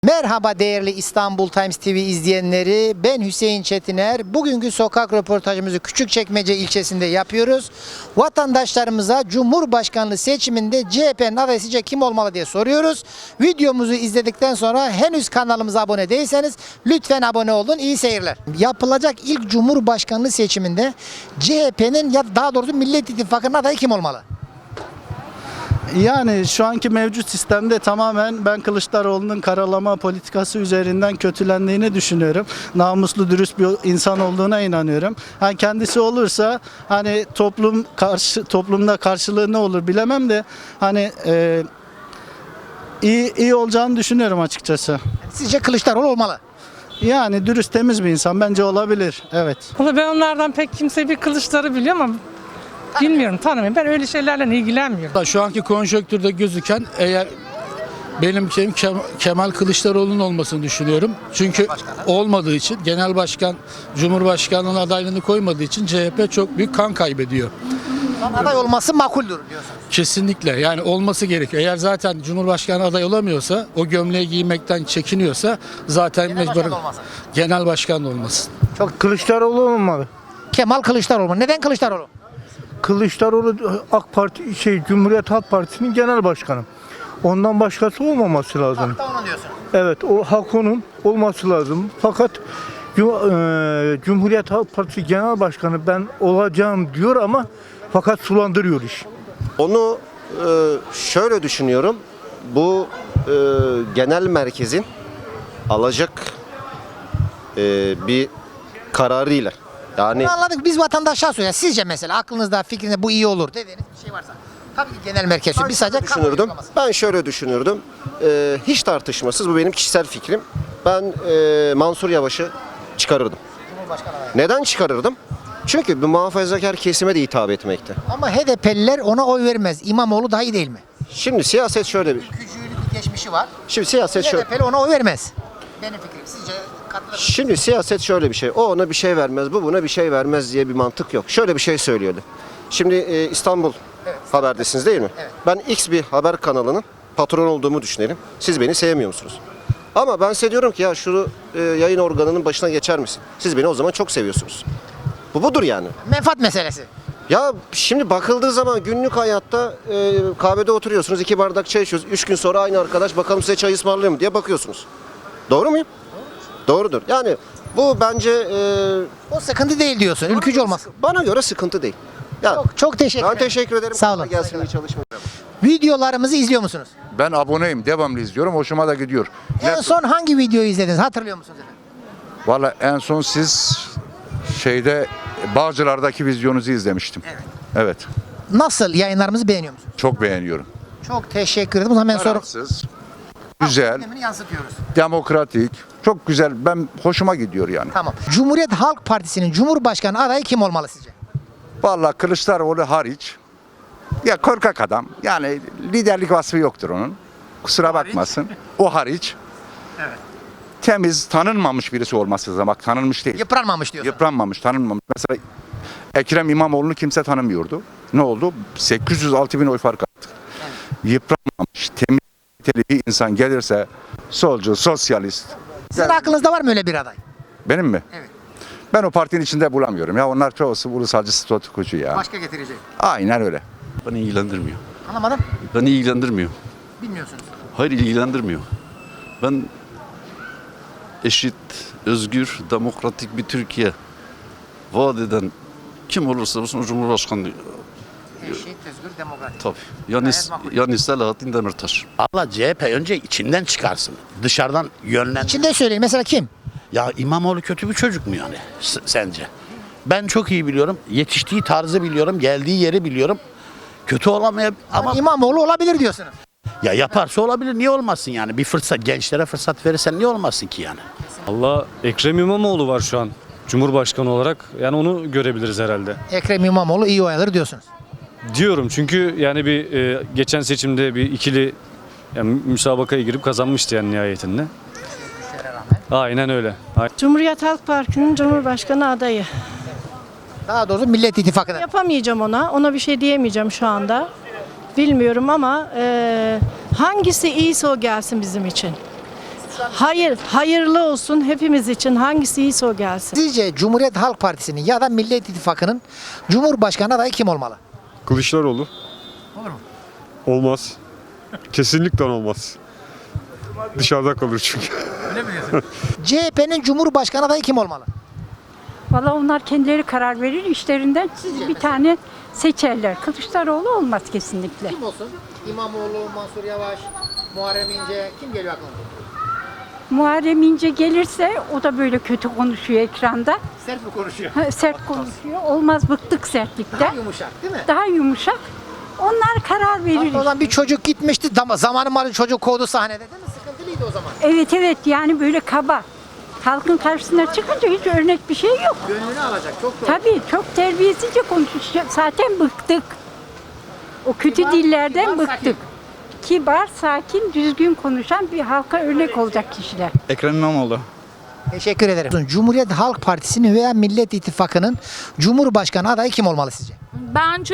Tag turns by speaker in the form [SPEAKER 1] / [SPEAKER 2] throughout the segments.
[SPEAKER 1] Merhaba değerli İstanbul Times TV izleyenleri. Ben Hüseyin Çetiner. Bugünkü sokak röportajımızı Küçükçekmece ilçesinde yapıyoruz. Vatandaşlarımıza Cumhurbaşkanlığı seçiminde CHP'nin adayı sizce kim olmalı diye soruyoruz. Videomuzu izledikten sonra henüz kanalımıza abone değilseniz lütfen abone olun. İyi seyirler. Yapılacak ilk Cumhurbaşkanlığı seçiminde CHP'nin ya daha doğrusu Millet İttifakı'nın adayı kim olmalı?
[SPEAKER 2] Yani şu anki mevcut sistemde tamamen ben Kılıçdaroğlu'nun karalama politikası üzerinden kötülendiğini düşünüyorum. Namuslu, dürüst bir insan olduğuna inanıyorum. Hani kendisi olursa hani toplumda karşılığı ne olur bilemem de hani iyi olacağını düşünüyorum açıkçası.
[SPEAKER 1] Sizce Kılıçdaroğlu olmalı?
[SPEAKER 2] Yani dürüst, temiz bir insan bence olabilir. Evet.
[SPEAKER 3] Valla ben onlardan pek kimse bir Kılıçları biliyorum ama bilmiyorum, tanımıyorum. Ben öyle şeylerle ilgilenmiyorum.
[SPEAKER 4] Şu anki konjonktürde gözüken eğer benim şeyim Kemal Kılıçdaroğlu'nun olmasını düşünüyorum. Çünkü olmadığı için genel başkan Cumhurbaşkanlığı'nın adaylığını koymadığı için CHP çok büyük kan kaybediyor.
[SPEAKER 1] Aday olması makuldür diyorsunuz.
[SPEAKER 4] Kesinlikle yani olması gerekiyor. Eğer zaten Cumhurbaşkanı aday olamıyorsa, o gömleği giymekten çekiniyorsa zaten mecburen genel başkan da olmasın.
[SPEAKER 5] Kılıçdaroğlu olmalı.
[SPEAKER 1] Kemal Kılıçdaroğlu. Neden Kılıçdaroğlu?
[SPEAKER 5] Kılıçdaroğlu AK Parti Cumhuriyet Halk Partisi'nin genel başkanı. Ondan başkası olmaması lazım.
[SPEAKER 1] Hatta onu diyorsun.
[SPEAKER 5] Evet, o hak onun olması lazım. Fakat Cumhuriyet Halk Partisi genel başkanı ben olacağım diyor ama fakat sulandırıyor iş.
[SPEAKER 6] Onu şöyle düşünüyorum. Bu genel merkezin alacak bir kararıyla. Yani
[SPEAKER 1] Bunu anladık. Biz vatandaşa soruyoruz. Sizce mesela aklınızda, fikrinizde bu iyi olur dediğiniz bir şey varsa. Tabii ki genel merkez. Biz sadece
[SPEAKER 6] düşünürdüm. Ben şöyle düşünürdüm. Hiç tartışmasız, bu benim kişisel fikrim. Ben Mansur Yavaş'ı çıkarırdım. Neden çıkarırdım? Çünkü bir muhafazakar kesime de hitap etmekte.
[SPEAKER 1] Ama HDP'liler ona oy vermez. İmamoğlu daha iyi değil mi?
[SPEAKER 6] Şimdi siyaset şöyle bir.
[SPEAKER 1] Ülkücülük bir geçmişi var.
[SPEAKER 6] Şimdi siyaset şöyle.
[SPEAKER 1] HDP'li ona oy vermez. Benim fikrim. Sizce katılır mısınız?
[SPEAKER 6] Şimdi siyaset şöyle bir şey. O ona bir şey vermez, bu buna bir şey vermez diye bir mantık yok. Şöyle bir şey söylüyordu. Şimdi İstanbul Haber'desiniz değil mi?
[SPEAKER 1] Evet.
[SPEAKER 6] Ben X bir haber kanalının patron olduğumu düşünelim. Siz beni sevmiyor musunuz? Ama ben size diyorum ki ya şu yayın organının başına geçer misin? Siz beni o zaman çok seviyorsunuz. Budur yani.
[SPEAKER 1] Menfaat meselesi.
[SPEAKER 6] Ya şimdi bakıldığı zaman günlük hayatta kahvede oturuyorsunuz, 2 bardak çay içiyorsunuz. 3 gün sonra aynı arkadaş bakalım size çay ısmarlıyor mu diye bakıyorsunuz. Doğru muyum? Doğrudur. Yani bu bence
[SPEAKER 1] O sıkıntı değil diyorsun. Ülkücü olmaz.
[SPEAKER 6] bana göre sıkıntı değil. Ya,
[SPEAKER 1] Çok teşekkür
[SPEAKER 6] ben
[SPEAKER 1] ederim.
[SPEAKER 6] teşekkür ederim.
[SPEAKER 1] Sağ olun.
[SPEAKER 6] Kolay gelsin, iyi çalışmalar.
[SPEAKER 1] Videolarımızı izliyor musunuz?
[SPEAKER 7] Ben aboneyim, devamlı izliyorum, hoşuma da gidiyor.
[SPEAKER 1] En son hangi videoyu izlediniz? Hatırlıyor musunuz efendim?
[SPEAKER 7] Valla en son siz Bağcılar'daki vizyonunuzu izlemiştim. Evet.
[SPEAKER 1] Nasıl? Yayınlarımızı beğeniyor musunuz?
[SPEAKER 7] Çok beğeniyorum.
[SPEAKER 1] Çok teşekkür ederim. O zaman ben sonra
[SPEAKER 7] Tarafsız, güzel,
[SPEAKER 1] gündemini yansıtıyoruz.
[SPEAKER 7] demokratik, çok güzel. Ben hoşuma gidiyor yani.
[SPEAKER 1] Tamam. Cumhuriyet Halk Partisi'nin Cumhurbaşkanı adayı kim olmalı sizce?
[SPEAKER 7] Valla Kılıçdaroğlu hariç, ya korkak adam. Yani liderlik vasfı yoktur onun. Kusura bakmasın. O hariç. Temiz, tanınmamış birisi olması lazım. Bak tanınmış değil.
[SPEAKER 1] Yıpranmamış diyorsun.
[SPEAKER 7] Yıpranmamış, tanınmamış. Mesela Ekrem İmamoğlu'nu kimse tanımıyordu. Ne oldu? 806 bin oy fark attık. Yıpranmamış, temiz bir insan gelirse solcu, sosyalist.
[SPEAKER 1] Sizin aklınızda var mı öyle bir aday?
[SPEAKER 7] Benim mi?
[SPEAKER 1] Evet.
[SPEAKER 7] Ben o partinin içinde bulamıyorum. Ya onlar çoğusu ulusalcı, statükocu ya.
[SPEAKER 1] Başka getirecek.
[SPEAKER 7] Aynen öyle.
[SPEAKER 8] Beni ilgilendirmiyor.
[SPEAKER 1] Anlamadım.
[SPEAKER 8] Beni ilgilendirmiyor.
[SPEAKER 1] Bilmiyorsunuz.
[SPEAKER 8] Hayır, ilgilendirmiyor. Ben eşit, özgür, demokratik bir Türkiye vaat eden kim olursa olsun Cumhurbaşkanı
[SPEAKER 1] Eşit, özgür, demokratik.
[SPEAKER 8] tabii.
[SPEAKER 1] Gayet makul.
[SPEAKER 8] Yani Selahattin Demirtaş.
[SPEAKER 9] Allah CHP önce içinden çıkarsın. Dışarıdan yönlendir.
[SPEAKER 1] İçinde söyleyin. Mesela kim?
[SPEAKER 9] Ya İmamoğlu kötü bir çocuk mu yani sence? Ben çok iyi biliyorum. Yetiştiği tarzı biliyorum. Geldiği yeri biliyorum. Kötü olamayabilir ama
[SPEAKER 1] İmamoğlu olabilir diyorsunuz.
[SPEAKER 9] ya yaparsa olabilir. Niye olmasın yani? Bir fırsat, gençlere fırsat verirsen niye olmasın ki yani?
[SPEAKER 10] Allah, Ekrem İmamoğlu var şu an Cumhurbaşkanı olarak. Yani onu görebiliriz herhalde.
[SPEAKER 1] Ekrem İmamoğlu iyi oy alır diyorsunuz.
[SPEAKER 10] Diyorum çünkü yani geçen seçimde bir ikili yani müsabakaya girip kazanmıştı yani nihayetinde. Aynen öyle.
[SPEAKER 11] Cumhuriyet Halk Partisi'nin Cumhurbaşkanı adayı.
[SPEAKER 1] Daha doğrusu Millet İttifakı'nda.
[SPEAKER 11] Yapamayacağım ona. Ona bir şey diyemeyeceğim şu anda. Bilmiyorum ama hangisi iyiyse o gelsin bizim için. Hayır, hayırlı olsun hepimiz için. Hangisi iyiyse o gelsin.
[SPEAKER 1] Sizce Cumhuriyet Halk Partisi'nin ya da Millet İttifakı'nın Cumhurbaşkanı adayı kim olmalı?
[SPEAKER 12] Kılıçdaroğlu.
[SPEAKER 1] Olur mu?
[SPEAKER 12] Olmaz. Kesinlikle olmaz. Dışarıda kalır çünkü.
[SPEAKER 1] CHP'nin Cumhurbaşkanı adayı kim olmalı?
[SPEAKER 13] Valla onlar kendileri karar verir işlerinden. Bir tane seçerler. Kılıçdaroğlu olmaz kesinlikle.
[SPEAKER 1] Kim olsun? İmamoğlu, Mansur Yavaş, Muharrem İnce kim geliyor aklına?
[SPEAKER 13] Muharrem İnce gelirse o da böyle kötü konuşuyor ekranda.
[SPEAKER 1] Sert mi konuşuyor?
[SPEAKER 13] Sert konuşuyor. Olmaz, bıktık sertlikten.
[SPEAKER 1] Daha yumuşak değil mi?
[SPEAKER 13] Daha yumuşak. Onlar karar verir.
[SPEAKER 1] O zaman bir çocuk gitmişti. Zamanı malı çocuk kovdu sahnede değil mi? Sıkıntılıydı o zaman.
[SPEAKER 13] Evet evet, yani böyle kaba. Halkın karşısına çıkınca hiç örnek bir şey yok.
[SPEAKER 1] Gönlünü alacak. Çok doğru.
[SPEAKER 13] Tabii çok terbiyesizce konuşuyor. Zaten bıktık. O kötü
[SPEAKER 1] Kibar,
[SPEAKER 13] dillerden
[SPEAKER 1] kibar,
[SPEAKER 13] bıktık.
[SPEAKER 1] sakin.
[SPEAKER 13] Kibar, sakin, düzgün konuşan bir halka örnek olacak kişiler.
[SPEAKER 2] Ekrem İmamoğlu.
[SPEAKER 1] Teşekkür ederim. Cumhuriyet Halk Partisi'nin veya Millet İttifakı'nın Cumhurbaşkanı adayı kim olmalı sizce?
[SPEAKER 14] Bence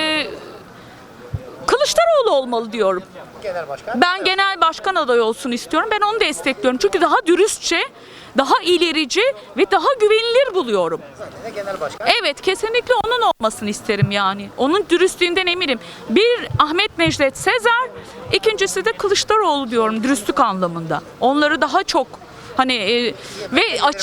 [SPEAKER 14] Kılıçdaroğlu olmalı diyorum.
[SPEAKER 1] Genel Başkan.
[SPEAKER 14] Ben genel başkan adayı olsun istiyorum. Ben onu destekliyorum. Çünkü daha dürüstçe, daha ilerici ve daha güvenilir buluyorum.
[SPEAKER 1] Zaten genel başkan.
[SPEAKER 14] Evet, kesinlikle onun olmasını isterim yani. Onun dürüstlüğünden eminim. Bir Ahmet Necdet Sezer, ikincisi de Kılıçdaroğlu diyorum dürüstlük anlamında. Onları daha çok ve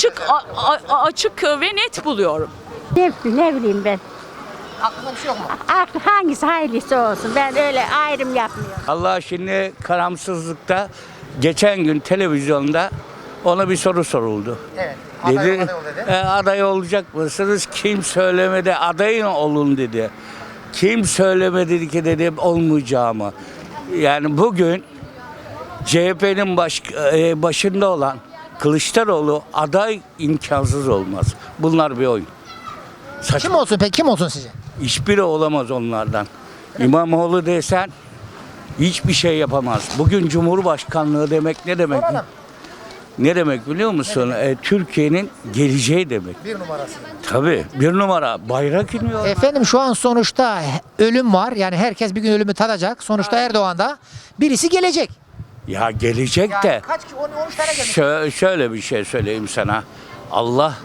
[SPEAKER 14] açık ve net buluyorum.
[SPEAKER 13] Ne bileyim ben.
[SPEAKER 1] Aklında bir şey yok mu?
[SPEAKER 13] Hangisi hayırlısı olsun. Ben öyle ayrım yapmıyorum.
[SPEAKER 9] Allah şimdi karamsızlıkta geçen gün televizyonda ona bir soru soruldu.
[SPEAKER 1] Evet.
[SPEAKER 9] Dedi,
[SPEAKER 1] Aday dedi.
[SPEAKER 9] Aday olacak mısınız? Kim söylemedi adayın olun dedi. Kim söylemedi ki dedi olmayacağımı. Yani bugün CHP'nin başında olan Kılıçdaroğlu aday imkansız olmaz. Bunlar bir oyun.
[SPEAKER 1] Kim olsun peki? Kim olsun sizce?
[SPEAKER 9] Hiçbiri olamaz onlardan. İmamoğlu desen hiçbir şey yapamaz. Bugün Cumhurbaşkanlığı demek ne demek?
[SPEAKER 1] Soralım.
[SPEAKER 9] Ne demek biliyor musun? Türkiye'nin geleceği demek.
[SPEAKER 1] Bir numarası.
[SPEAKER 9] Tabii bir numara bayrak iniyor.
[SPEAKER 1] Efendim şu an sonuçta ölüm var. Yani herkes bir gün ölümü tadacak. Sonuçta Erdoğan'da birisi gelecek.
[SPEAKER 9] Ya gelecek de
[SPEAKER 1] Kaç kişi? 13 tane gelmiş.
[SPEAKER 9] şöyle bir şey söyleyeyim sana. Allah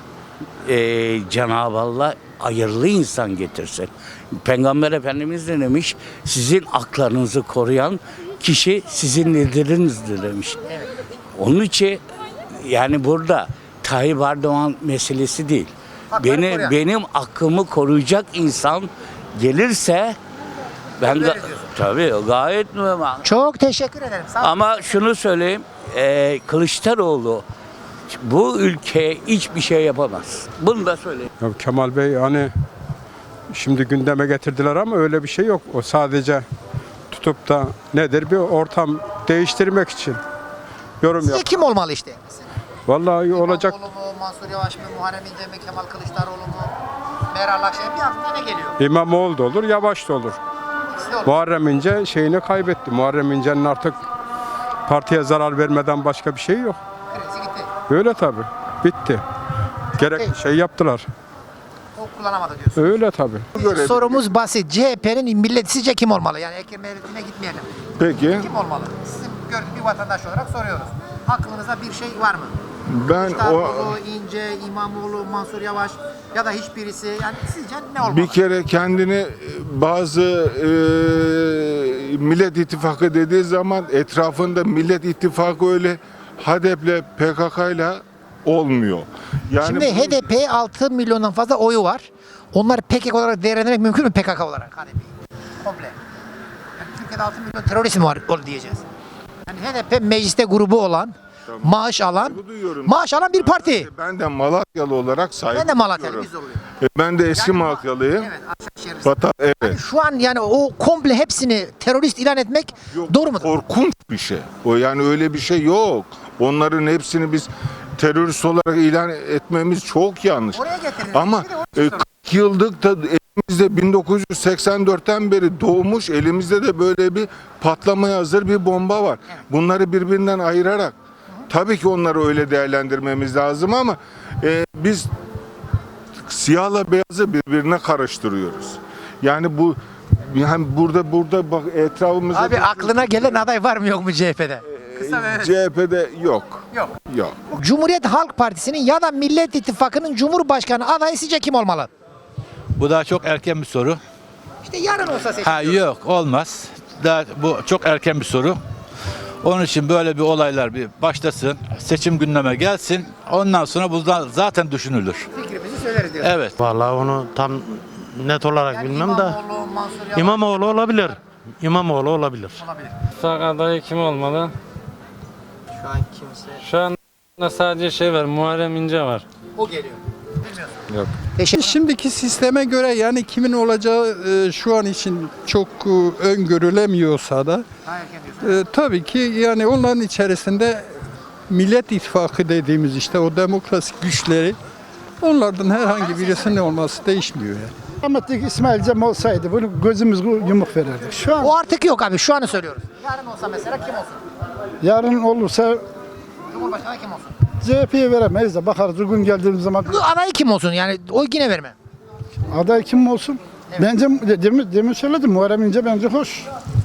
[SPEAKER 9] Cenab-ı Allah hayırlı insan getirsin. Peygamber Efendimiz de demiş, sizin aklarınızı koruyan kişi sizin lideriniz demiş. Onun için yani burada Tayyip Erdoğan meselesi değil. Benim hakkımı koruyacak insan gelirse ben tabii gayet normal.
[SPEAKER 1] Çok teşekkür ederim. Sağ olun.
[SPEAKER 9] Ama şunu söyleyeyim, Kılıçdaroğlu bu ülkeye hiçbir şey yapamaz. Bunu da söyleyeyim.
[SPEAKER 12] Ya Kemal Bey hani şimdi gündeme getirdiler ama öyle bir şey yok. O sadece tutup da nedir bir ortam değiştirmek için yorum
[SPEAKER 1] Sizce
[SPEAKER 12] yap.
[SPEAKER 1] kim olmalı işte?
[SPEAKER 12] Vallahi olacak.
[SPEAKER 1] İmamoğlu mu, Mansur Yavaş mı, Muharrem İnce mi, Kemal Kılıçdaroğlu mu, Meral Akşener bir aklına ne geliyor?
[SPEAKER 12] İmamoğlu da olur, Yavaş da olur.
[SPEAKER 1] İkisi de olur.
[SPEAKER 12] Muharrem İnce şeyini kaybetti. Muharrem İnce'nin artık partiye zarar vermeden başka bir şey yok.
[SPEAKER 1] Krizi gitti.
[SPEAKER 12] Öyle tabii. Bitti. Gerek şey yaptılar.
[SPEAKER 1] O kullanamadı diyorsun.
[SPEAKER 12] Öyle tabii.
[SPEAKER 1] Sorumuz basit. CHP'nin milleti sizce kim olmalı? Yani Ekrem Eğreti'ne gitmeyelim.
[SPEAKER 5] Peki
[SPEAKER 1] Kim olmalı? Sizin gördüğünüz bir vatandaş olarak soruyoruz. Aklınızda bir şey var mı?
[SPEAKER 5] ben o
[SPEAKER 1] Kılıçdaroğlu, İnce, İmamoğlu, Mansur Yavaş ya da hiçbirisi. Yani sizce ne olmalı?
[SPEAKER 5] bir kere kendini bazı Millet İttifakı dediği zaman etrafında Millet İttifakı öyle HDP'le PKK'yla olmuyor. Yani
[SPEAKER 1] Şimdi HDP 6 milyondan fazla oyu var. Onlar PKK olarak değerlendirmek mümkün mü PKK olarak? Komple. Yani Türkiye'de 6 milyon terörist mi var diyeceğiz. Yani HDP mecliste grubu olan, maaş alan, maaş alan bir parti.
[SPEAKER 5] ben de Malatyalı olarak saygı
[SPEAKER 1] Ben de Malatyalı,
[SPEAKER 5] duyuyorum.
[SPEAKER 1] biz de oluyor.
[SPEAKER 5] Ben de eski Malatyalıyım.
[SPEAKER 1] Evet, Aşağı
[SPEAKER 5] Evet.
[SPEAKER 1] Şu an yani o komple hepsini terörist ilan etmek doğru mudur?
[SPEAKER 5] Korkunç bir şey. O yani öyle bir şey yok. Onların hepsini biz terörist olarak ilan etmemiz çok yanlış.
[SPEAKER 1] Oraya getirin.
[SPEAKER 5] Ama 40 yıllık da elimizde 1984'ten beri doğmuş elimizde de böyle bir patlamaya hazır bir bomba var. Bunları birbirinden ayırarak tabii ki onları öyle değerlendirmemiz lazım ama biz siyahla beyazı birbirine karıştırıyoruz. Yani bu burada bak etrafımızda
[SPEAKER 1] Abi aklına gelen aday var mı yok mu CHP'de? Kısa ve evet.
[SPEAKER 5] CHP'de yok.
[SPEAKER 1] Yok.
[SPEAKER 5] Yok.
[SPEAKER 1] Cumhuriyet Halk Partisi'nin ya da Millet İttifakı'nın Cumhurbaşkanı adayı sizce kim olmalı?
[SPEAKER 15] Bu daha çok erken bir soru.
[SPEAKER 1] İşte yarın olsa seçim.
[SPEAKER 15] Ha yok olmaz. Daha bu çok erken bir soru. Onun için böyle bir olaylar bir başlasın. Seçim gündeme gelsin. Ondan sonra bu zaten düşünülür.
[SPEAKER 1] Fikrimizi söyleriz diyorsun.
[SPEAKER 15] Evet.
[SPEAKER 16] Vallahi onu tam net olarak
[SPEAKER 1] Yani
[SPEAKER 16] bilmem de
[SPEAKER 1] İmamoğlu, Mansur Yavaş.
[SPEAKER 16] İmamoğlu olabilir. İmamoğlu olabilir.
[SPEAKER 3] İttifak adayı kim olmalı?
[SPEAKER 1] Şu an kimse.
[SPEAKER 3] Şu anda sadece var, Muharrem İnce var.
[SPEAKER 1] O geliyor. Bilmiyorsun.
[SPEAKER 12] Yok.
[SPEAKER 1] Teşekkür.
[SPEAKER 12] Şimdiki sisteme göre yani kimin olacağı şu an için çok öngörülemiyorsa da
[SPEAKER 1] Daha erken diyorsun.
[SPEAKER 12] tabii ki yani onların içerisinde Millet İttifakı dediğimiz işte o demokrasi güçleri onlardan herhangi birisinin olması değişmiyor yani.
[SPEAKER 2] Rahmetli İsmail Cem olsaydı bunu gözümüz yumuk verirdik. Şu an
[SPEAKER 1] O artık yok abi. Şu anı söylüyoruz. Yarın olsa mesela kim olsun?
[SPEAKER 2] yarın olursa
[SPEAKER 1] Cumhurbaşkanı kim olsun?
[SPEAKER 2] CHP'ye veremeyiz de bakarız o gün geldiğimiz zaman
[SPEAKER 1] Bu adayı kim olsun? Yani oy yine verme.
[SPEAKER 2] aday kim olsun? Bence demin söyledim Muharrem İnce bence hoş.